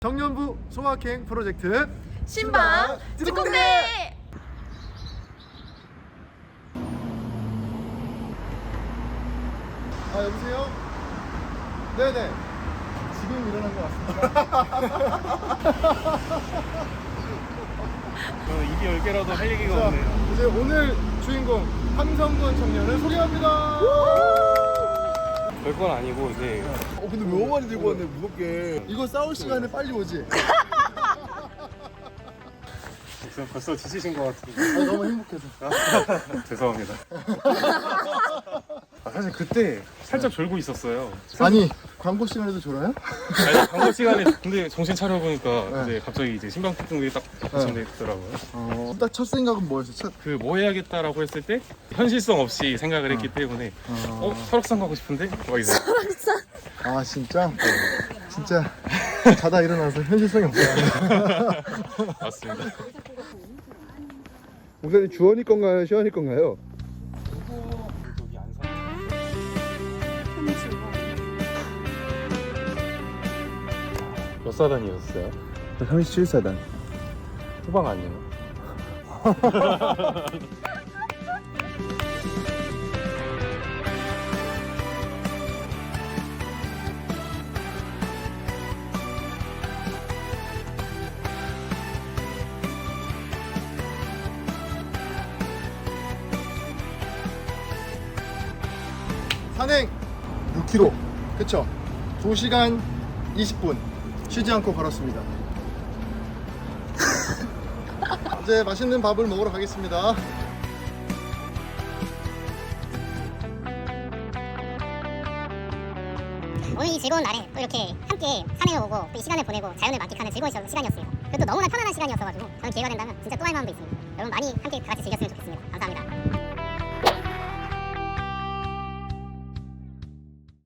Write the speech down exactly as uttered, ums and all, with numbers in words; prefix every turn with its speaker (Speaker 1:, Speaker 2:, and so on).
Speaker 1: 청년부 소확행 프로젝트
Speaker 2: 신방 직공대.
Speaker 1: 아 여보세요? 네네 지금 일어난 것 같습니다.
Speaker 3: 저는 입이 열 개라도 할 얘기가
Speaker 1: 자,
Speaker 3: 없네요.
Speaker 1: 이제 오늘 주인공 함성군 청년을 소개합니다.
Speaker 3: 별건 아니고 이제
Speaker 1: 어 근데 왜 오만이 들고 왔네 무겁게. 이거 싸울 시간에 빨리 오지?
Speaker 3: 벌써, 벌써 지치신 것 같은데.
Speaker 1: 아, 너무 행복해서.
Speaker 3: 죄송합니다. 아, 사실 그때 살짝 졸고 있었어요.
Speaker 1: 아니 광고 시간에도 졸아요?
Speaker 3: 아니, 광고 시간에 근데 정신 차려 보니까
Speaker 1: 네.
Speaker 3: 이제 갑자기 이제 신방특공들이 딱 발전돼 있더라고요.
Speaker 1: 어, 딱 첫 생각은 뭐였어? 첫...
Speaker 3: 그 뭐 해야겠다라고 했을 때 현실성 없이 생각을 했기 때문에
Speaker 1: 어...
Speaker 3: 어 설악산 가고 싶은데 막 이제
Speaker 1: 아 진짜? 진짜 자다 일어나서 현실성이 없어요.
Speaker 3: 맞습니다.
Speaker 1: 목사님 주원이 건가요? 시원이 건가요?
Speaker 3: 저기 안산 몇 사단이었어요?
Speaker 1: 삼십칠 사단.
Speaker 3: 후방 아니에요?
Speaker 1: 산행 육 킬로미터 그쵸? 두 시간 이십 분 쉬지 않고 걸었습니다. 이제 맛있는 밥을 먹으러 가겠습니다.
Speaker 4: 오늘 이 즐거운 날에 또 이렇게 함께 산행을 오고 또 이 시간을 보내고 자연을 만끽하는 즐거운 시간이었습니다. 그리고 또 너무나 편안한 시간이었어가지고 저는 기회가 된다면 진짜 또 할 마음도 있습니다. 여러분 많이 함께 다 같이 즐겼으면 좋겠습니다. 감사합니다.